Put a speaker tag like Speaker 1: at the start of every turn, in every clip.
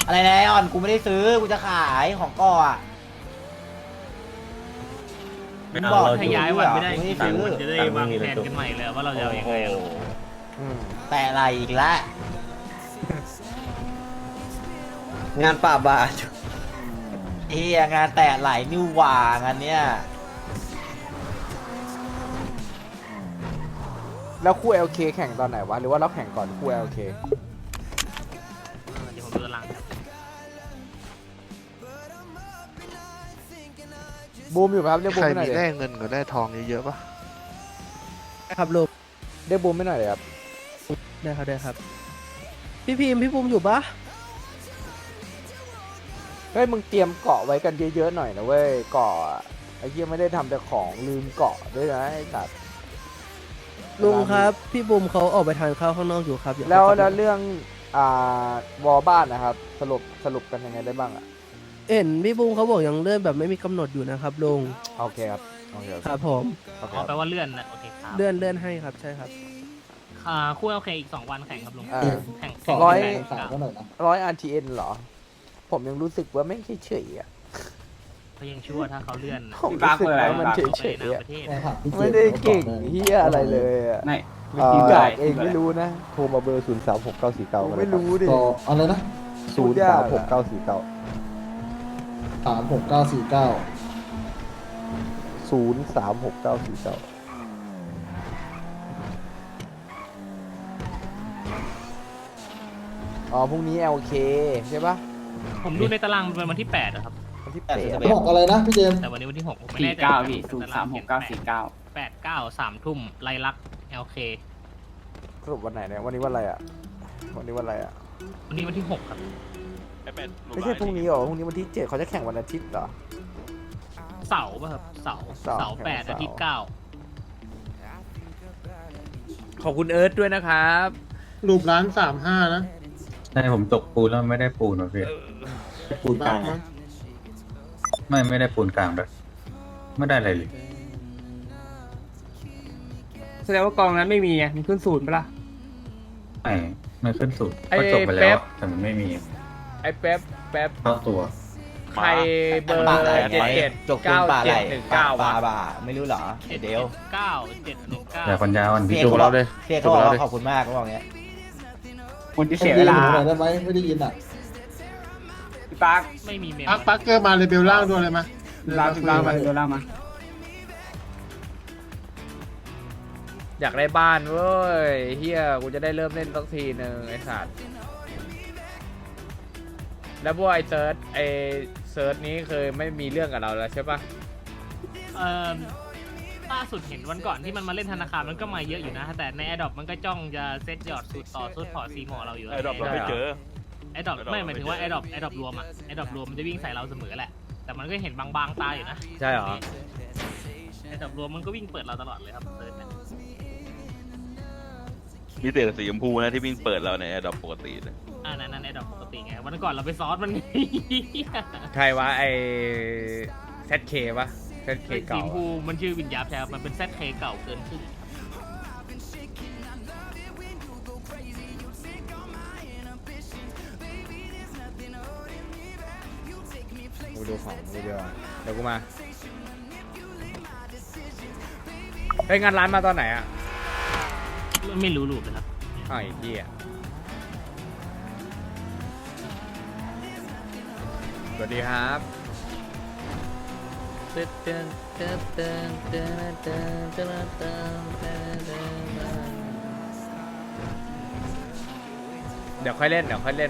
Speaker 1: อะไรแน่ออนกูไม่ได้ซื้อกูจะขายของก่ออ่ะมึงบอก
Speaker 2: ถ้าย้ายวันไม่ได้
Speaker 1: กู
Speaker 2: จริ
Speaker 1: ไม่
Speaker 2: ง
Speaker 1: ได้ซื้อ
Speaker 2: ๆมันจะได้วางแผนกันใหม่เลยว่าเราจะเอายังไงอะ
Speaker 1: แต่อะไรอีกละ
Speaker 3: งานป่าบา
Speaker 1: เฮียงานแต่ไหลนิ้วหว่างานเนี้ย
Speaker 4: แล้วคู่ LK แข่งตอนไหนวะหรือว่าเราแข่งก่อนคู่ LK
Speaker 2: เดี๋ยวผมดูตาราง
Speaker 4: บูมอยู่ไหมครับเรียกบู
Speaker 5: ใค
Speaker 4: ม
Speaker 5: ร
Speaker 4: ไม่หน่อ
Speaker 5: มี
Speaker 4: ย
Speaker 5: ได้
Speaker 4: เลย
Speaker 5: เงินกับได้ทองเยอะๆปะ
Speaker 6: ครับลุง
Speaker 4: เรียกบูมไม่หน่อยเลยครับ
Speaker 6: ได้ครับได้ครับ พี่พิมพ์พี่ภูมิอยู่ปะ
Speaker 4: เฮ้ยมึงเตรียมเกาะไว้กันเยอะๆหน่อยนะเว้ยเกาะอะไอ้เหี้ยไม่ได้ทำแต่ของลืมเกาะด้วยนะไอ้สัตว์
Speaker 6: ลุงครับพี่ภูมิเขาออกไปทานข้าวข้างนอกอยู่ครับเดี๋ย
Speaker 4: แล้ว
Speaker 6: เขาก
Speaker 4: แล้
Speaker 6: ลั
Speaker 4: ว
Speaker 6: บมา
Speaker 4: เรื่องวอลบ้านนะครับสรุปกันยังไงได้บ้างอ่ะ
Speaker 6: เห็นพี่ภูมิเขาบอกยังเลื่อนแบบไม่มีกำหนดอยู่นะครับลุง
Speaker 4: โอเคครับโอเค
Speaker 6: ครับผม
Speaker 4: โอเค
Speaker 2: อ๋อแปลว่าเลื่อนนะโอเคครับ
Speaker 6: เลื่อนให้ครับใช่ครับ
Speaker 2: คู่โอเคอีก2 วันแข่งครับลุง
Speaker 4: อ่า
Speaker 2: แข่ง
Speaker 4: ร้อย
Speaker 2: แข่งกัน
Speaker 4: 100 RTN เหรอ ผมยังรู้สึกว่าไม่เฉยๆอ่ะ
Speaker 2: ก็ยังชั่วถ้าเขาเลื่อนนะ
Speaker 4: ผมรู้สึกว่ามันเฉ
Speaker 2: ไป
Speaker 4: ย
Speaker 2: ใน
Speaker 4: ๆอะ
Speaker 2: ประเทศ
Speaker 4: ไม่ได้เก่งเฮียอะไรเลยอ่ะ
Speaker 3: ไม่
Speaker 4: กากเองไม่รู้นะ
Speaker 7: โทรมาเบอร์ 0 3 6 9 4 9
Speaker 4: ผมไม่รู้ดิ
Speaker 8: อะไรนะ
Speaker 7: 0 3 6 9 4 9
Speaker 8: 36949
Speaker 7: 0 3 6 9 4 9
Speaker 4: อ๋อพรุ่งนี้ LK ใช่ปะ
Speaker 2: ผมดูในตารางเป็นวันที่8นะครับ
Speaker 4: วันที่
Speaker 8: บอกอะไรนะพี่เจมส์
Speaker 2: แต่วันนี้วันที่6ผมไม่แน่ใจ8 9 3 ทุ่มไล่ลัก LK
Speaker 4: สรุปวันไหนเนี่ยวันนี้วันอะไรอ่ะวันนี้วันอะไรอ่ะ
Speaker 2: วันนี้วันที่6ครับ
Speaker 4: ไม่ใช่พรุ่งนี้หรอพรุ่งนี้วันที่7เขาจะแข่งวันอาทิตย์เหรอ
Speaker 2: เสาร์ป่ะครับเสาร์
Speaker 4: เสาร์
Speaker 2: 8 อาทิตย์ 9
Speaker 9: ขอบคุณเอิร์ธด้วยนะครับ
Speaker 8: รูปร้าน35นะ
Speaker 10: ใช่ผมตกปูนแล้วไม่ได้ปูนหรอพี่
Speaker 8: ปูนกลาง
Speaker 10: ไม่ได้ปูนกลางด้วยไม่ได้อะไรเลย
Speaker 9: แสดงว่ากองนั้นไม่มีไงมันขึ้นศูนย์ไปละ
Speaker 10: ไม่ขึ้นสุด
Speaker 9: ไอ้
Speaker 10: ก็จบไป
Speaker 9: เป๊
Speaker 10: แล้ว
Speaker 9: ป
Speaker 10: แต่มันไม่มี
Speaker 9: ไอ้แป๊บ
Speaker 10: เข้าตัว
Speaker 9: ใครเบอร์
Speaker 1: ป่าอะไร
Speaker 9: 77
Speaker 1: จกปูนป่าอะไร
Speaker 9: 9719
Speaker 1: ป่าว
Speaker 9: ะ
Speaker 1: บ่าไม่รู้เหรอเดี๋ยว
Speaker 10: แต่ปัญญาอ่อน
Speaker 1: พี่
Speaker 10: พี่
Speaker 1: เอก
Speaker 10: จุก
Speaker 1: เขาบอกพี่เอกเขาบอกว่าขอบคุณมากเขาบอกเงี้ย
Speaker 8: คนที่เสียเวลาได้ไหมไม่ได้ยินอ่ะ
Speaker 3: พี่ปาร์ค
Speaker 2: ไม่มีเมม
Speaker 8: ปักเกอร์มาเลยเบลล่างด้วยเลยมั้ย
Speaker 3: ลามาเดี๋ยวลามา
Speaker 9: อยากได้บ้านเว้ยเฮียกูจะได้เริ่มเล่นสักทีหนึ่งไอ้สัตว์แล้วพวกไอ้เซิร์ชนี้เคยไม่มีเรื่องกับเราแล้วใช่ปะ
Speaker 2: ล่าสุดเห็นวันก่อนที่มันมาเล่นธนาคารมันก็มาเยอะอยู่นะ แต่ใน Adopt มันก็จ้องจะเซตยอดสูตรต่อสูตรพอซีหมอเราอยู่
Speaker 9: Adopt เราไม่เจอ
Speaker 2: Adopt ไม่หมายถึงว่า Adopt รวมอะ Adopt รวมมันจะวิ่งใส่เราเสมอแหละ แต่มันก็เห็นบางๆตาอยู่นะ
Speaker 9: ใช่เหรอ
Speaker 2: Adopt รวมมันก็วิ่งเปิดเราตลอดเลยครับเซิร์ชเนี่ย
Speaker 11: มีแต่สีชมพูนะที่วิ่งเปิดเราในแอดดอปปกติเลย
Speaker 2: นั่น Adopt ปกติไงวันก่อนเราไปซอสมัน
Speaker 9: ใครวะไอ้ ZK ปะ ZK
Speaker 2: สี
Speaker 9: เก่า
Speaker 2: ชมพูมันชื่อวิญญาณแทบมันเป็น ZK เก่าเกินครึ่ง
Speaker 9: กูดูของกูเดียวเดี๋ยวกูมาไปงานร้านมาตอนไหนอ่ะ
Speaker 2: ไม่รู้ลูกเลยครับ
Speaker 9: อ้าวไอ้เหี้ยสวัสดีครับ เดี๋ยวค่อยเล่น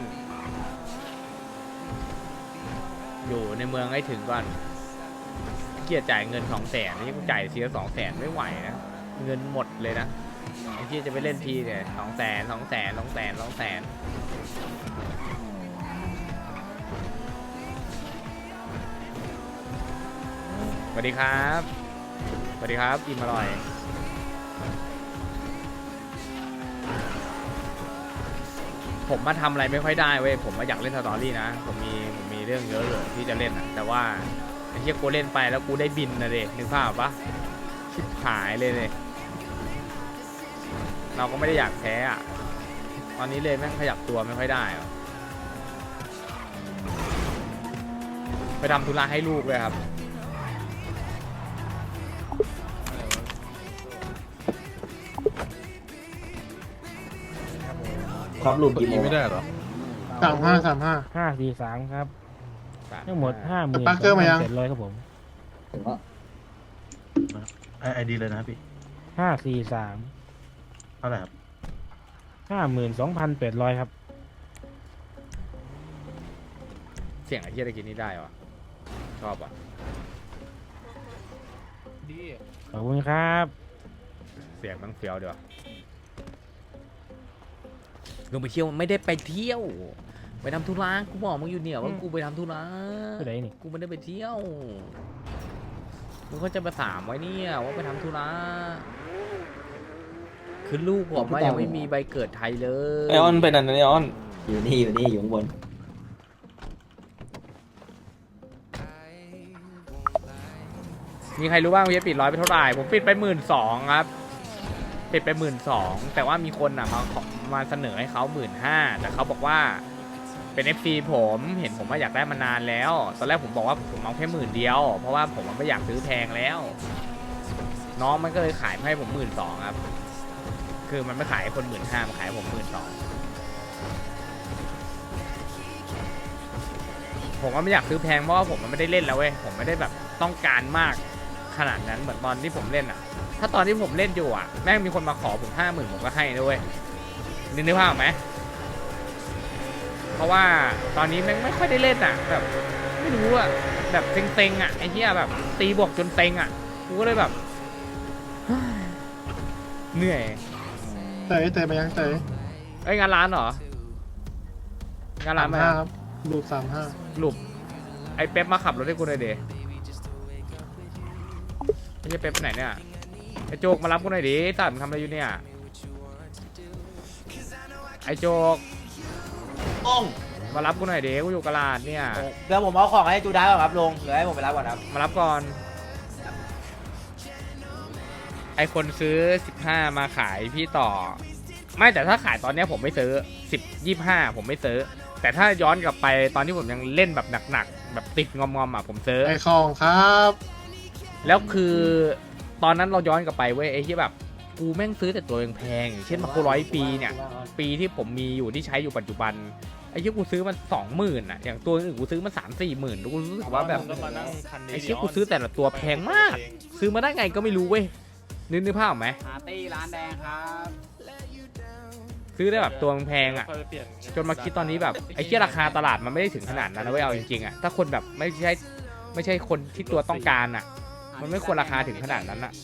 Speaker 9: อยู่ในเมืองให้ถึงก่อนเกียรจ่ายเงิน200,000นี่กูจ่ายเสีย200,000ไม่ไหวนะ เงินหมดเลยนะไอ้ที่จะไปเล่นทีเนี่ย200,000สวัสดีครับอิ่มอร่อย ผมมาทำอะไรไม่ค่อยได้เว้ยผมมาอยากเล่นสตอรี่นะผมมีเรื่องเยอะเลยที่จะเล่นอ่ะแต่ว่าไอ้เหี้ยกูเล่นไปแล้วกูได้บินนะเด็นึกภาพปะชิบหายเลยเราก็ไม่ได้อยากแพ้อ่ะตอนนี้เลยแม่งขยับตัวไม่ค่อยได้อะไปทำธุระให้ลูกเลยครับ
Speaker 3: ครับลุงกี่โมง
Speaker 10: ไม่ได้หรอ
Speaker 2: 543ครับทั้งหมด 50,000
Speaker 8: ปักเกอร์มายัง
Speaker 2: 700ครับผม
Speaker 8: ถึงว่า
Speaker 10: ไอดีเลยนะพี่
Speaker 2: 543
Speaker 10: เท่าไหร่ครับ
Speaker 2: 52,800ครับ
Speaker 9: เสียงไอ้เหี้ยได้กินนี่ได้วะชอบอ่ะ
Speaker 2: ขอบคุณครับ
Speaker 9: เสียงมันเฟี้ยวเดี๋ยวลงไปเที่ยวไม่ได้ไปเที่ยว ไปทำธุระกูบอกมึงอยู่เนี่ยว่ากูไปทำธุระ
Speaker 2: ไปไหนนี่
Speaker 9: กูไม่ได้ไปเที่ยวมึงก็จะมาถามไว้เนี่ยว่าไปทำธุระคือลูกผมว่ายังไม่มีใบเกิดไทยเลย
Speaker 3: ไอออนไปนั่นไอออนอยู่นี่อยู่ข้างบน
Speaker 9: มีใครรู้บ้างว่าจะปิดร้อยไปเท่าไหร่ผมปิดไป12,000ครับปิดไป12,000แต่ว่ามีคนอ่ะมาเสนอให้เขา15,000แต่เขาบอกว่าเป็น FC ผมเห็นผมว่าอยากได้มานานแล้วตอนแรกผมบอกว่าผมเอาแค่10,000เดียวเพราะว่าผมไม่อยากซื้อแพงแล้ว น้องมันก็เลยขายให้ผม12,000ครับคือมันไม่ขายให้คน15,000มันขายให้ผม12,000ผมก็ไม่อยากซื้อแพงเพราะว่าผมมันไม่ได้เล่นแล้วเว้ยผมไม่ได้แบบต้องการมากขนาดนั้นเหมือนตอนที่ผมเล่นอ่ะถ้าตอนที่ผมเล่นอยู่อ่ะแม่งมีคนมาขอผม50,000ผมก็ให้ด้วยนึกภาพออกไหมเพราะว่าตอนนี้แม่งไม่ค่อยได้เล่นอ่ะแบบไม่รู้อ่ะแบบเซ็งๆอ่ะไอ้เหี้ยแบบตีบวกจนเซ็งอ่ะกูก็เลยแบบเหนื่อย
Speaker 8: เตยมายังเตย
Speaker 9: เอ้ยงานร้านเหรอ งานร้านไหม
Speaker 8: ครับลูก35
Speaker 9: หลุบไอ้เป๊ปมาขับรถให้กูหน่อยดิไอ้เหี้ยเป๊ปไปไหนเนี่ยไอ้โจกมารับกูหน่อยดิสัตว์มึงทำอะไรอยู่เนี่ยไอ้โจก
Speaker 1: อ้อง
Speaker 9: มารับกูหน่อยดิกูอยู่กลาดเนี่ย
Speaker 1: เดี๋ยวผมเอาของให้จูด้าก่อนครับลุงเดี๋ยวให้ผมไปรับก่อนครับ
Speaker 9: มารับก่อน ไอคนซื้อ15มาขายพี่ต่อ ไม่แต่ถ้าขายตอนเนี้ยผมไม่ซื้อ10-25ผมไม่ซื้อแต่ถ้าย้อนกลับไปตอนที่ผมยังเล่นแบบหนักๆแบบติดงอมๆอ่ะผมซื้อ
Speaker 8: ไอของครับ
Speaker 9: แล้วคือตอนนั้นเราย้อนกลับไปเว้ยไอ้ที่แบบกูแม่งซื้อแต่ตัวแพงๆอย่างเช่นมาโค100 ปีเนี่ยปีที่ผมมีอยู่ที่ใช้อยู่ปัจจุบันไอ้ที่กูซื้อมัน20,000อ่ะอย่างตัวอื่นกูซื้อมา3-4 หมื่นกูรู้สึกว่าแบบไอ้ที่กูซื้อแต่ละตัวแพงมากซื้อมาได้ไงก็ไม่รู้เว้ยนึกภาพออกไหม
Speaker 3: ปาร์ตี้ร้านแดงครับ
Speaker 9: ซื้อได้แบบตัวแพงอ่ะจนมาคิดตอนนี้แบบไอ้ที่ราคาตลาดมันไม่ได้ถึงขนาดนั้นนะเว้ยเอาจริงๆอ่ะถ้าคนแบบไม่ใช่คนที่ตัวต้องการอ่ะมันไม่ควรราคาถึงขนาดนั้นอ่ะ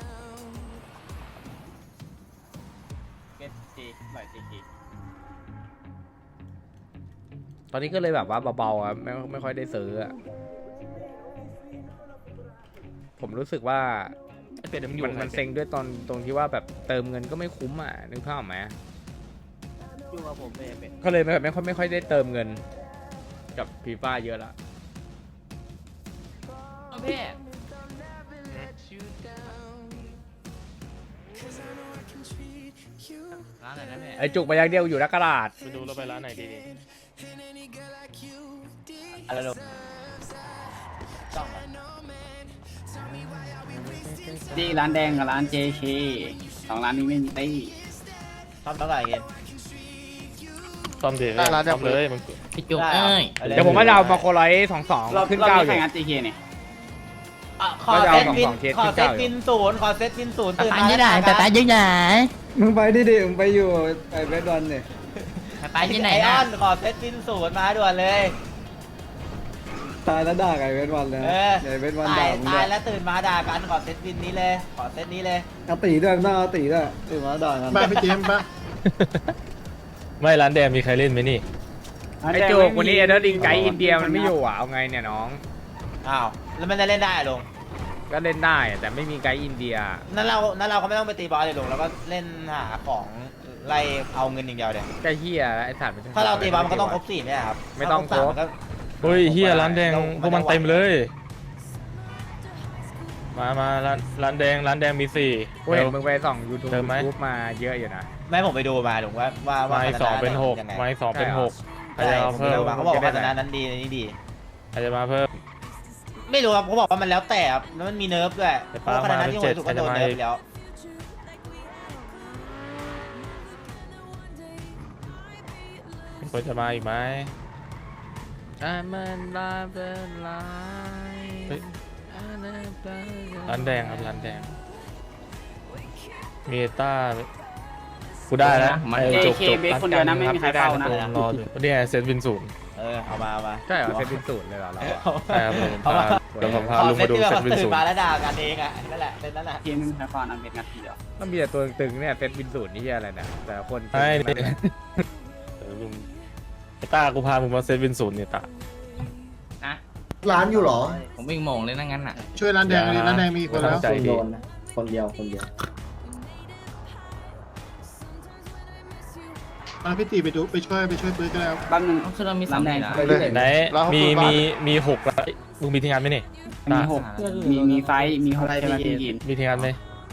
Speaker 9: ตอนนี้ก็เลยแบบว่าเบาๆอ่ะไม่ค่อยได้ซื้ออ่ะผมรู้สึกว่ามันเซ็งด้วยตรงที่ว่าแบบเติมเงินก็ไม่คุ้มอ่ะนึกภาพออกไหมก็เลยแบบไม่ค่อยได้เติมเงินกับฟีฟ่าเยอะละไอจุกไปอย่างเดียวอยู่นักกระดาษ
Speaker 2: ไปดูเราไปร้านไหนดี
Speaker 1: อะไรลุง
Speaker 3: ที่ร้านแดงกับร้าน JK สองร้านนี้ไม่มีตี้
Speaker 1: ซ่อมเท่าไหร่เงิน
Speaker 2: ซ่อมเดี๋ยวซ่อมเลยมึง
Speaker 1: พี่จุกเอ้ย
Speaker 9: เดี๋ยวผมว่าจะเอามาโคร้อย22ขึ้น9อยู่
Speaker 3: งาน JK เนี่ย
Speaker 1: ขอเซตวิน
Speaker 9: เอา2เคส
Speaker 1: ขอ
Speaker 9: ขึ้น
Speaker 1: เซ
Speaker 9: เก้า
Speaker 1: ต
Speaker 9: อยู่
Speaker 1: วินศูนย์ขอเซตวินศูนย์ตื่น
Speaker 6: ไป
Speaker 1: มา
Speaker 6: ที่ไหนแต่ไปที่ไหน
Speaker 3: มึงไปดิมึงไปอยู่ไอเบสบอลเนี่ย
Speaker 6: ไปที่ไหน
Speaker 1: ไออ
Speaker 6: นะ
Speaker 1: อนขอเซตวินศูนย์มาด่วนเลย
Speaker 3: ตายแล้วด่าไอเบสบอลเลย
Speaker 1: เออ
Speaker 3: ไอเบสบอล
Speaker 1: ตา
Speaker 3: ด่าย มึง
Speaker 1: ตายแล้วตื่นมาด่ากันขอเซตวินนี้เลยขอเซตนี้เลย
Speaker 3: เอาตีด้วยน่าเอาตีด้วยตื่นมาด่ากัน
Speaker 8: บ้านพี่เจมส์ปะ
Speaker 2: ไม่ร้านแดงมีใครเล่นไหมนี่
Speaker 9: ไอจุกวันนี้เอเดอร์ดิงไกด์อินเดียมันไม่อยู่อ่ะเอาไงเนี่ยน้อง
Speaker 1: อ้าวแล้วมันจะเล่นได้เหรอลุง
Speaker 9: ก็เล่นได้แต่ไม่มีไกด์อินเดีย
Speaker 1: นั่นเราก็ไม่ต้องไปตีบอลเลยลุงเราก็เล่นหาของไล่เอาเงินอย่างเดียวเดี๋ยว
Speaker 9: ไอ้เหี้ยไอ้สัตว์
Speaker 1: ถ้าเราตีบอลมันก็ต้องครบ4เนี่ยครับ
Speaker 9: ไม่ต้องครบ
Speaker 1: ถ้า3
Speaker 2: เฮ้ยเฮียร้านแดงพวกมันเต็มเลย มาร้านแดงมี4
Speaker 9: กูเห็นมึงไปส่องยูทูบ
Speaker 2: เติมไหม
Speaker 9: มาเยอะอยู่นะ
Speaker 1: ไม่ผมไปดูมาลุงว่า
Speaker 2: ไม้2เป็น
Speaker 1: ยังไง
Speaker 2: 6ไม้2เป็น6ใคร
Speaker 1: ใช่
Speaker 2: จะเอา
Speaker 1: ผม
Speaker 2: เพิ่
Speaker 1: ไป
Speaker 2: ม
Speaker 1: ดูมาเขาบอกว่าพัฒนานั้นดีนี่ดี
Speaker 2: ใครจะมาเพิ่ม
Speaker 1: ไม่รู้ครับเขาบอกว่ามันแล้วแต่ครับแล้วมันมีเนิร์ฟด้วยเพราะว่าขณะนั้นที่ผมรู้สึกว่าโดนเนิร์ฟไปแล้ว
Speaker 9: คนจะมาอีกไหมมันลาเป็นลาย ร้านแดงครับร้านแดงเมตากูได้แล้ว
Speaker 3: JK เบสคนเดียวนะไม่มีใครเฝ้านะ
Speaker 9: รอดูเนี่ยเซตวินศูนย์
Speaker 1: เอามา
Speaker 9: ใช่เหรอเซตวินศูนย์เลยเหรอเรา
Speaker 1: ใช่ครับผม
Speaker 9: เดี๋ยวผมพา
Speaker 1: ขอ
Speaker 9: ลุง
Speaker 1: เซ
Speaker 9: มา
Speaker 1: ต
Speaker 9: ดู
Speaker 1: ที่แบบ
Speaker 9: เซตวิน
Speaker 1: ตื่
Speaker 9: ศู
Speaker 1: น
Speaker 9: นย์
Speaker 1: มาแล้วด่ากันเองอ่ะนั่นแหละนั่นแหละ
Speaker 3: เกมไม่มีใครเฝ้านะเบสงัดทีเดียว
Speaker 9: มันมีแต่ตัวตึงเนี่ยเซตวินศูนย์นี่อะไรเนี่ยแต่ละคน
Speaker 5: ใช่ลุงไอ้ต้ากูพามึงมาเซตวินศูนย์เนี่ยตา
Speaker 8: ร้านอยู่เหรอ
Speaker 3: ผมวิ่งโมงเลยนั่งงั้นอ่ะ
Speaker 8: ช่วยร้านแดงเลยร้านแดงมีคนแล้ว
Speaker 5: ใจดี
Speaker 3: คนเดียว
Speaker 8: พี่ตีไปช่วยปืนก็แล้ว
Speaker 3: แป๊บนึงคือเรามีสามแดง
Speaker 5: ไหนมีหกแล้วลุงมีทีงานไหมนี่
Speaker 3: มีหกมีไฟมีหกใช่ไหมพี่กิน
Speaker 5: มีทีงานไหม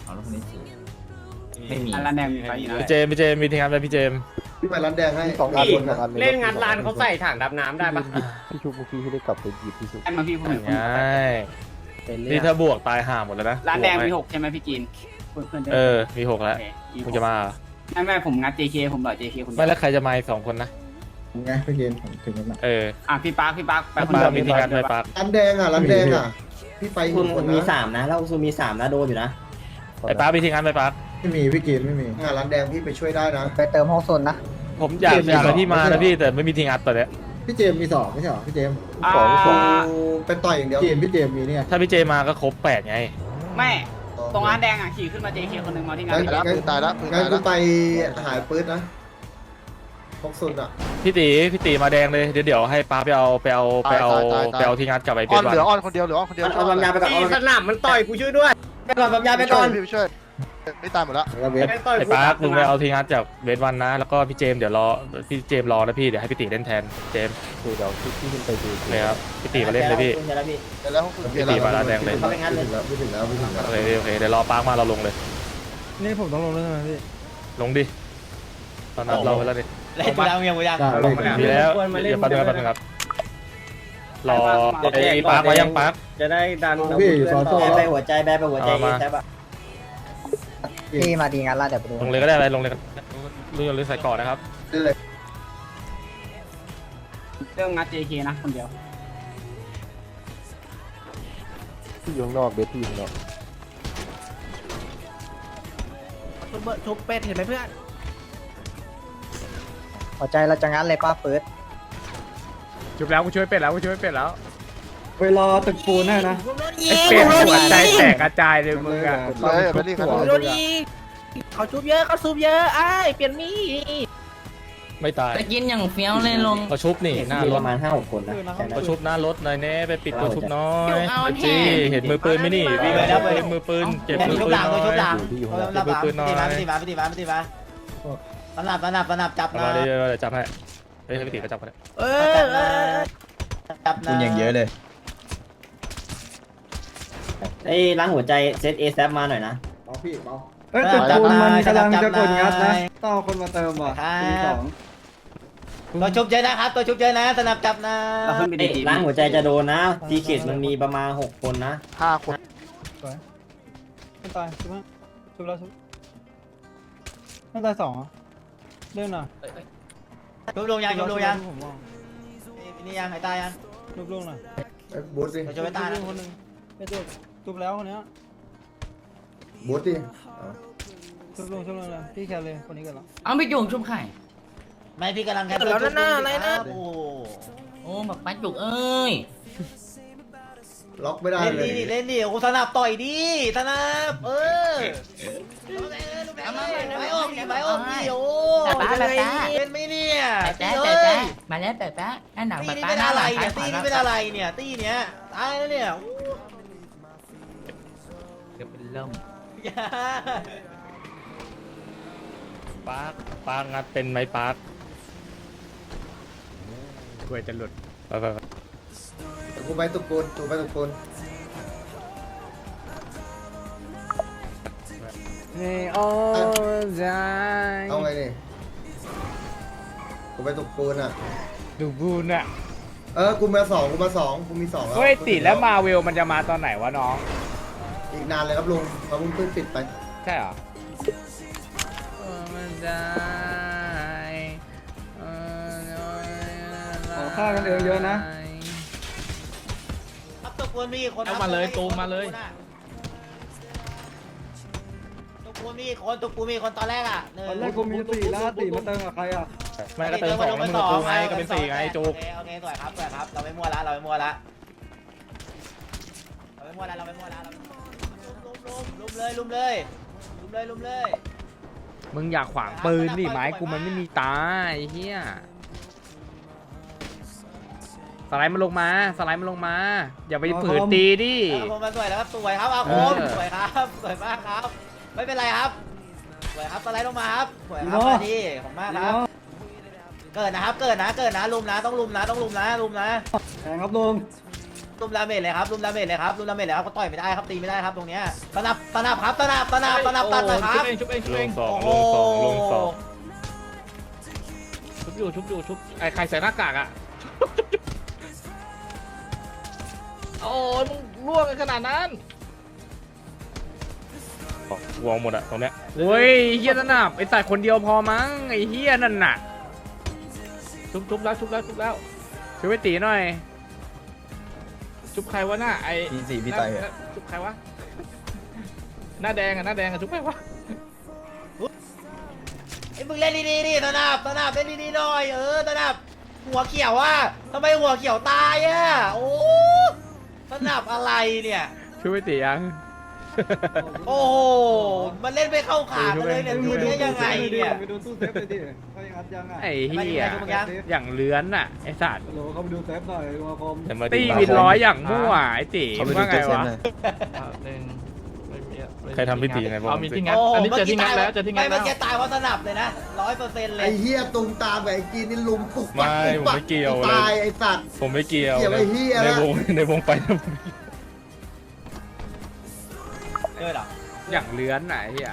Speaker 3: ไม่มีร้านแดงมีไฟอยู่นะ
Speaker 5: พี่เจมมีทีงานไหมพี่เจม
Speaker 8: พี่ไปร้านแดงให้
Speaker 7: 2 อันบน1 อัน
Speaker 9: เล่นงานร้านเขาใส่ถังดับน้ำได้ปะ
Speaker 7: พี่ชุบเมื่อกี้ที่ได้กลับไปหยิบที่ชุบ
Speaker 3: ให้มาพี่ผม
Speaker 5: ง่ายนี่ถ้าบวกตายห่าหมดแล้วนะ
Speaker 3: ร้านแดงมีหกใช่ไหมพี่กินเพื่อน
Speaker 5: มีหกแล้วมึงจะมา
Speaker 3: ไม่ผมงัด JK ผมหล่อ JK คนเดี
Speaker 5: ไม่
Speaker 3: ยว
Speaker 5: แล้วใครจะมาอีก2 คนนะ
Speaker 8: ไงพี่เกณฑ์ผมถึงแล้วนะ
Speaker 3: พี่ปาร์คไปคน
Speaker 5: ปา
Speaker 3: เดียว
Speaker 5: มีทีงานไหมปา
Speaker 8: ร้านแดงร้านแดงพี่ไปคนมี3นะแล้วซูมี3นะโดนอยู่นะ
Speaker 5: ไอ้ปามีทีงานไหมปา
Speaker 8: ไม่มีพี่เกณฑ์ไม่มีร้านแดงพี่ไปช่วยได้นะ
Speaker 6: ไปเติมห้องโซนนะ
Speaker 5: ผมอยากให้พี่มานะพี่แต่ไม่มีทีงานตอนเนี้ย
Speaker 8: พี่เจมมี2ไม่ใช่หรอพี่เจมเป็นต่อยอย่างเดียวพี่เจมมีเนี่ย
Speaker 5: ถ้าพี่เจมาก็ครบ8ไง
Speaker 3: ไม่ตรงร้านแดงขี่ขึ้นมา JK คนนึงมาที่งาน
Speaker 8: ตายแล้วงั้นกูไปหายปืนนะพกซุนอ่ะ
Speaker 5: พี่ตีมาแดงเลยเดี๋ยวให้ป้าไปเอาทีงานกลับไปเป็นวัน
Speaker 8: เหลืออ้อนคนเดียวเอาบางยาไปก่อน
Speaker 9: สนามมันต่อยกูช่วยด้วย
Speaker 8: ไปก่อนบางยาไปก่อนพี่ช่วยไม่ตายหมดแล้ว
Speaker 5: ไอ้ป้าลุงไปเอาทีงานจากเวทวันนะแล้วก็พี่เจมเดี๋ยวรอพี่เจมรอนะพี่เดี๋ยวให้พี่ตีเล่นแทนเจม
Speaker 7: คือเดี๋ยวพี่ขึ้นไปดู
Speaker 5: เลยครับพี่ตีมาเล่นเลยพี่
Speaker 8: แล้ว
Speaker 5: พี่ตีมาร้านแดงเลย
Speaker 8: เขาไปงั้นเลยไม่ถึงแล้ว
Speaker 5: โอเคเดี๋ยวรอป้ามาเราลงเลย
Speaker 6: นี่ผมต้องลงแล้วใช่ไหมพี่
Speaker 5: ลงดิตอนนั้นเราไปแล้วดิ
Speaker 1: เล่นกูยัง
Speaker 5: มีแล้วเดี๋ยวแป๊บนึงครับรอไอ้ป้ามายังป้า
Speaker 9: จะได้ดัน
Speaker 8: พี่อยู่ซอโซ่
Speaker 1: ไปหัวใจใช่ปะ
Speaker 6: พี่มาดีงานละเดี๋ยวไปดู
Speaker 5: ลงเลยก็ได้อะไรลงเลยลุงอย่าลืมใส่ก่อนนะครับ
Speaker 3: เรื่องงัด JK นะคนเดียว
Speaker 7: ที่อยู่ข้างนอกเบสที่อยู่ข้างนอก
Speaker 6: ชุบเป็ดเห็นไหมเพื่อนหัวใจเราจะงั้นเลยป้าเฟิร์ส
Speaker 9: จุบแล้วกูช่วยเป็ดแล้ว
Speaker 6: ไปรอตึกปูนให้นะ
Speaker 9: ไอ้เป็ดหัวใจแตกกระจายเลยมึงอะ
Speaker 8: ไปรีบกัน
Speaker 6: โดนอีกเขาชุบเยอะเขาซุบเยอะไอ้เปลี่ยนมีด
Speaker 5: ไม่ตาย
Speaker 3: จะกินอย่างเฟี้ยวเลยลง
Speaker 5: เขาชุบนี่หน้ารถ
Speaker 8: ประมาณ 5-6 คนนะ
Speaker 5: เขาชุบหน้ารถหน่อยแน่ไปปิดตัวชุบน้อยจีเห็นมือปืนไหมนี่เห็นมือปืนเก็บมือ
Speaker 1: ชุบ
Speaker 5: ปื
Speaker 1: ห
Speaker 5: น
Speaker 1: ลัง
Speaker 5: น้อย
Speaker 1: ชุบหลัง
Speaker 7: อยู่ที่อยู่ข้างนอก
Speaker 1: รับพี่ตีมาสนับจับ
Speaker 5: มา
Speaker 1: นะ
Speaker 5: เดี๋ยวจับให้เฮ้ยพี่ตีก็จับกัน
Speaker 1: จับนะ
Speaker 10: คุณอย่างเยอะเลย
Speaker 1: ไอ้ล้างหัวใจเซตเอแซมาหน่อยนะ
Speaker 8: เบาพี่เบา
Speaker 1: ตึกปูนมันกำลังจะกดงัดนะ
Speaker 6: ต้องเอาคนมาเติมว่ะ
Speaker 1: ตัวชุบเยอะนะครับตัวชุบเยอะนะสนับจับนะ
Speaker 3: เราขึ้นไปดี
Speaker 1: ล้างหัวใจจะโดนนะทีเกตมันมีประมาณ6 คนนะ
Speaker 8: 5 คน
Speaker 6: ไม่ตายชุบมั้ยชุบแล้วชุบไม่ตาย2เรื่องน่ะ
Speaker 1: ชุบลงยัง
Speaker 6: ผมมอง
Speaker 1: นี่ยังไอ้ตายยัง
Speaker 6: ชุบลงน่ะ
Speaker 8: บูทดิ
Speaker 1: เราจะไปตายนะ
Speaker 6: คนนึงไม่ชุบชุบแล้วคนเนี้ย
Speaker 8: บูทดิ
Speaker 6: ชุบลงเลยพี่แคร์เลยคนนี้กันแล้ว
Speaker 3: เอาไปจุ่มชุบไข่
Speaker 1: ไม่พี่กำลังแค่
Speaker 6: แล้วนั่นอะไรนะ
Speaker 1: โอ้
Speaker 3: โอ้แบบปัดจุกเอ้ย
Speaker 8: ล็อกไม่ได้
Speaker 1: เล่น
Speaker 8: เลย
Speaker 1: ดิเล่นดิโอ้สนับต่อยดิสนับไปออกดิโอ้เป็นไม่เนี่ย
Speaker 3: มาแล้วแต่แป๊ะหน้าหนัง
Speaker 1: ตี
Speaker 3: แบบ
Speaker 1: นี่
Speaker 3: ป้า
Speaker 1: เป็น
Speaker 3: หน้า
Speaker 1: อะ
Speaker 3: ห
Speaker 1: ไร
Speaker 3: ลัง
Speaker 1: เนี่ยตีนี่เป็นอะไรเนี่ยตีเนี้ยตายแล้วเนี่ย
Speaker 3: เดี๋ยวเป็นเริ่ม
Speaker 5: ปาร์งัดเป็นไหมปาร์
Speaker 9: กลัวจะหลุด
Speaker 5: ไป
Speaker 8: กูไปตุกปูน
Speaker 6: นี่โอ้ใจ
Speaker 8: เอาไงนี่กูไปตุกปูนอ่ะ
Speaker 9: ดูบูนอะ
Speaker 8: กูมาสองกูมี2แล้ว
Speaker 9: เฮ้ยติแล้วมาเวลมันจะมาตอนไหนวะน้อง
Speaker 8: อีกนานเลยครับลุงเราเพิ่งปิดไป
Speaker 9: ใช่เหรอมันได้
Speaker 6: ขอฆ่ากันเองเยอะนะ
Speaker 1: ครับตกวนมีคน
Speaker 5: เอามาเลยตูมมาเลย
Speaker 1: ตกวนมีคนตกวนมีคนตอนแรกอ่ะ
Speaker 6: ตอนแรกกูมี4แล้วตีมาเติมกับใครอ่ะ
Speaker 5: ไม่ก็เติม2แล้วมึงกับกูไงก็เป็น4ไงจุก
Speaker 1: โอเคสวยครับเราไม่มั่วละเราไม่มั่วละลุมเลย
Speaker 9: มึงอยากขวางปืนดิไม้กูมันไม่มีตาไอ้เหี้ยสไลด์มันลงมาอย่าไปฝืนตีดิ
Speaker 1: ผมมาสวยแล้วครับสวยครับอาคมสวยครับสวยมากครับไม่เป็นไรครับสวยครับสไลด์ลงมาครับสวยครับมาดีผมมากครับเกิดนะครับเกิดนะลุมนะต้องลุมนะ
Speaker 6: แทงครับลุง
Speaker 1: ลุมดาเมจเลยครับลุมดาเมจเลยครับก็ต่อยไม่ได้ครับตีไม่ได้ครับตรงเนี้ยตนับครับตนับตัดเลยครับ
Speaker 5: ชุบเอง
Speaker 1: โอ้โห
Speaker 5: ลงสองชุบอยู่ไอ้ใครใส่หน้ากากอ่ะโอ้ยมึงล่วงกันขนาดนั้นวงหมดอะตรงเนี้ย
Speaker 9: โอ้ยเฮียนั่นน่ะไอ้ใส่คนเดียวพอมั้งไอ้เฮียนั่นน่ะ
Speaker 5: ชุบแล้ว
Speaker 9: ช่วยไปตีหน่อย
Speaker 5: ชุบใครวะหน้าไอ้
Speaker 7: พี่ไต
Speaker 5: ชุบใครวะหน้าแดงอะชุบใครวะ
Speaker 1: ไอ้มึงเล่นดีๆดิตนับเล่นดีๆหน่อยตนับหัวเขียวอ่ะทำไมหัวเขียวตายอ่ะโอ้ตนับอะไรเนี่ย
Speaker 9: ช่วยไปตียัง
Speaker 1: โอ้โหมันเล่นไม่เข้าขากันเลยเนี่ยทีนี้ยังไงเนี่ย
Speaker 6: ไปดูตู้เซฟเลยดิเขายังอัดยังอ่ะ
Speaker 9: ไอ้เฮียอย่างเลื้อนน่ะไอ้สัตว์
Speaker 6: โหลเขาไปดูเซฟหน่อยลุงอาคม
Speaker 9: ตีวินร้อยอย่างมั่วไอ้ตีว่าไงวะ
Speaker 5: ใครทำพิธียังไงบ้าง
Speaker 1: ไม่เมื่อกี้ตายเพราะสนับเลยนะ100%เล
Speaker 8: ไอ้
Speaker 1: ย
Speaker 8: เหี้ยตุงตามกับไอ้จีนนี่ลุมปุ๊บ
Speaker 5: ไม่ผมไม่เกี่ยวเลย
Speaker 8: ตายไอ้สัตว์
Speaker 5: ผมไม่เกี่ยว
Speaker 8: เกี่ยวไอ้เหี้ย
Speaker 5: ในวงไป
Speaker 1: เจอเหรอ
Speaker 9: อย่างเลื้อนน่ะไอ้เฮีย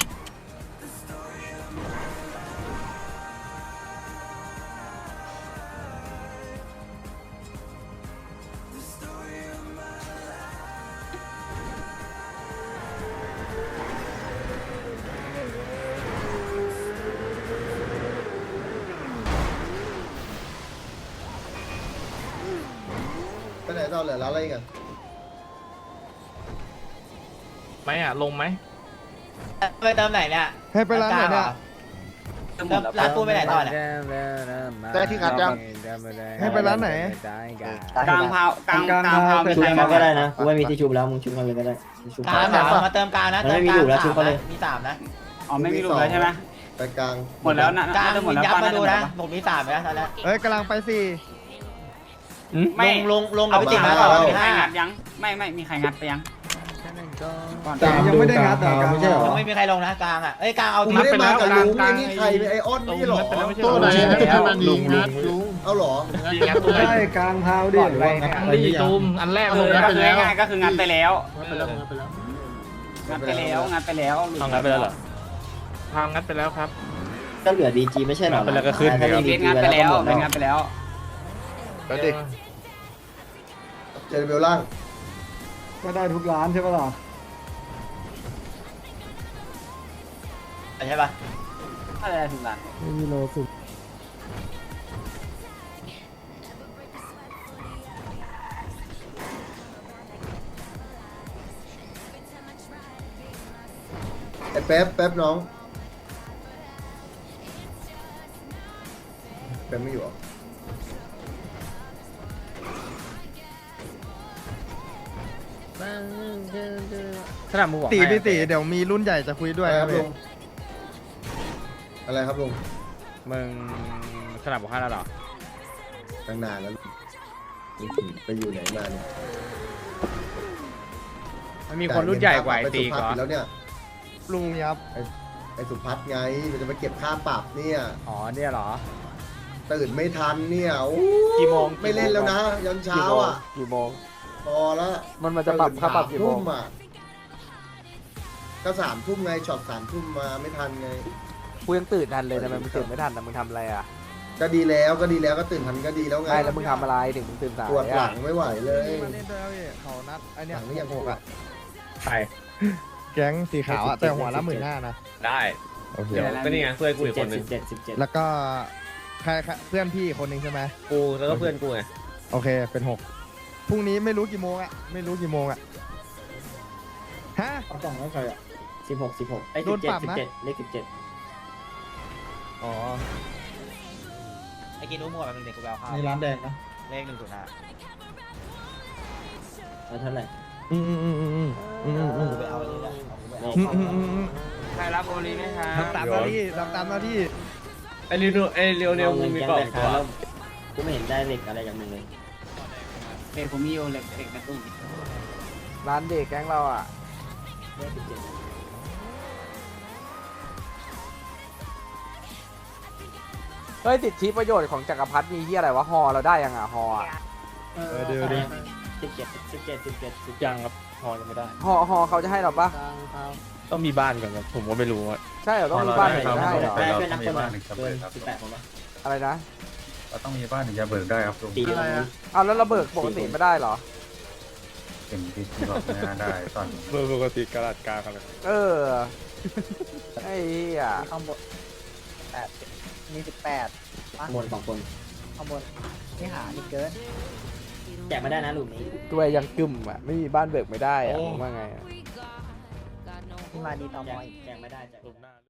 Speaker 8: ไปไหนต่อเหลือแล้วอะไรกัน
Speaker 5: ไหมอ่ะลงไหม
Speaker 1: ไปเติมไหนเนี่ย
Speaker 7: ให้ไปร้านไหนเนี่ย
Speaker 1: ร้านปูไปไหนต่อเนี่ย
Speaker 7: ได้ที่งัดยังให้ไปร้านไหน
Speaker 3: กลางพาวกลางพาวมีใคร
Speaker 6: มา
Speaker 3: มา
Speaker 6: ก็
Speaker 3: ก็
Speaker 6: ได้
Speaker 3: ได้
Speaker 6: นะ
Speaker 3: นะ
Speaker 6: กูไม่มีที่ชุบแล้วมึงชุบมาเลยก็ได้
Speaker 1: กลางมาเติมกลางนะเติมกลางมี3นะ
Speaker 3: อ๋อไม่มีรูปแล้วใช่ไหม
Speaker 8: ไปกลาง
Speaker 3: หมดแล้วนะ
Speaker 1: กลาง
Speaker 3: หม
Speaker 1: มี
Speaker 3: ดแล้ว
Speaker 1: ยับ
Speaker 3: ป้า
Speaker 1: มาดูนะ
Speaker 3: น่าจ
Speaker 1: ผมมี3ไปแล้วตอนแรก
Speaker 7: เอ้ยกำลังไป4
Speaker 3: ไม่
Speaker 1: ลงกับพี่ติ๋มมาก่อนมี
Speaker 3: ใคร
Speaker 1: 5
Speaker 3: งัดยังไม่มีใครงัดไปยัง
Speaker 6: แต่ยังไม่ได้งัดแต่กลางไม่ใช่หรอ
Speaker 1: ยังไม่มีใครลงนะกลางอ่ะเอ้ยกลางเอา
Speaker 8: กู
Speaker 1: ที
Speaker 8: ไม่ได้มากับลุงไอ้นี่ใครไอ้อ้อนนี่หรอ
Speaker 5: ตัวไหนลุง
Speaker 8: เอาหรอ
Speaker 6: ใช่กลางพาวดิ
Speaker 5: ดีตูมอันแรกเลย
Speaker 3: ก็คือง่ายๆก็คืองัดไปแล้วงัดไปแล้ว
Speaker 5: ทางงัดไปแล้วเหรอทางงัดไปแล้วครับ
Speaker 6: ก็เหลือดีจีไม่ใช่หรอ
Speaker 5: ไปแล้วก็ขึ้น
Speaker 3: เบสงัดไปแล้วเบสงัดไปแล้ว
Speaker 8: ไปดิเจอเบลล่าง
Speaker 6: ก็ได้ทุกร้านใช่ปะล่ะ
Speaker 1: ใช่ป่ะ
Speaker 3: อะไรถึงร้าน
Speaker 7: ไม่มีโลสุด
Speaker 8: ไอ้แป๊บน้องแป๊บไม่อยู่หรอ
Speaker 9: ขนาดมึงบอก
Speaker 7: ตีพี่ตีเดี๋ยวมีรุ่นใหญ่จะคุยด้วย
Speaker 8: อะไร
Speaker 7: ค
Speaker 8: ค
Speaker 7: รั
Speaker 8: รั
Speaker 7: บบ
Speaker 8: ลุงอะไรครับลุง
Speaker 9: มึงขนาดบอกให้แล้วเหรอ
Speaker 8: ตั้งนานแล้วไปอยู่ไหนมาเนี่ย
Speaker 9: มันมีคนรุ่นใหญ่กว่าไอ้ตี
Speaker 8: ไป
Speaker 9: ก่
Speaker 8: สุ
Speaker 9: อ
Speaker 8: พัฒน์แล้วเนี่ย
Speaker 7: ลุงครับ
Speaker 8: ไอ้สุพัฒน์ไงมันจะมาเก็บค่าปรับเนี่ย
Speaker 9: อ๋อเนี่ยเหรอ
Speaker 8: ตื่นไม่ทันเนี่ยโอ้
Speaker 4: กี่โมง
Speaker 8: ไม่เล่นแล้วนะยันเช้าอ่ะ
Speaker 4: กี่โมง
Speaker 8: พอแล้ว
Speaker 4: มันจะปรับค่าปรับกี่โมง
Speaker 8: 3 ทุ่อ่ะก็3 ทุ่มไงช็อต3 ทุ่มมาไม่ทันไง
Speaker 4: กูยังตื่นทันเลยทำไมมึงตื่นไม่ทันนะมึงทำอะไรอ่ะ
Speaker 8: ก็ดีแล้วก็ตื่นทันก็ดีแล้วไง
Speaker 4: ไม่แล้วมึงทำอะไรถึงมึงตื่นสาย
Speaker 8: ปวดหลั
Speaker 4: อ่ะ
Speaker 8: งไม่ไหวเลย
Speaker 7: มาเล่นด้วยพี่เขานัดไอเนี้ย
Speaker 8: หลังนี่ยังหกอ่ะ
Speaker 5: ใช่
Speaker 7: แก๊งสีขาวอะแต่หัวละ15,000นะ
Speaker 5: ได้
Speaker 7: โอเค
Speaker 5: เดี๋ยวก็นี่ไงเพื่อนกูอีกคนนึง
Speaker 7: แล้วก็ใครเพื่อนพี่คนหนึงใช่ไหม
Speaker 5: กูแล้วก็เพื่อนกูไง
Speaker 7: โอเคเป็น6พรุ่งนี้ไม่รู้กี่โมงอะฮะ
Speaker 6: เอากล่องแล้วใครอ่ะ
Speaker 7: ไอ้โดนปรับนะ อ๋อ
Speaker 1: ไอ้กินรู้หมดมันเด็กกูแววข้าว
Speaker 6: ในร้านแดงนะ
Speaker 1: เลข105 กูไปเอาอันนี้แหละเอากูไปเอา
Speaker 3: ใครรับโอลีไหมครับ
Speaker 7: ทำตามหน้าที่
Speaker 5: ไอ้เรียวมึงมีกล่องตัว
Speaker 3: กูไม่เห็นได้เหล็กอะไรจากมึงเลยเด็กผมมีโอเหล็กกระตุ้น
Speaker 4: ร้านเด็กแก๊งเราอ่ะเฮ้ยสิทธิประโยชน์ของจักรพรรดิมีที่อะไรวะฮอเราได้ยังอ่ะฮออ่ะ
Speaker 7: เดี๋ยวดิ
Speaker 5: 17ยังครับพอยังไม่ได้
Speaker 4: ฮอเขาจะให้เราปะ
Speaker 5: ต้องมีบ้านก่อนครับผมก็ไม่รู้ว่า
Speaker 4: ใช่เหรอต้องมีบ้านถึงจะให้เหรอ
Speaker 10: เราต้องมีบ้านถึงจะเบิกครับ
Speaker 4: อะไรนะ
Speaker 10: เราต้องมีบ้านถึงจะเบิกได้ครับลุง
Speaker 7: อะไรอะ
Speaker 4: เอาแล้วเราเบิกปกติไม่ได้เหรอ
Speaker 10: เป็นที่บอกไม่น่าได้ตอน
Speaker 5: เบอร์ปกติกระดาษกลางอะไร
Speaker 4: เออไอ้เหี้ย
Speaker 6: ข้างบน8มี18
Speaker 3: ข้างบน2คน
Speaker 6: ข้างบนนี่หานี่เกิน
Speaker 3: แจกไม่ได้นะหลุมนี้
Speaker 4: ตัวยังกึ่มอ่ะไม่มีบ้านเบิกไม่ได้อ่ะมึงว่าไงอะ
Speaker 6: ที่มาดีต่อมออีก
Speaker 3: แจกไม่ได้แจก
Speaker 5: หลุมหน้า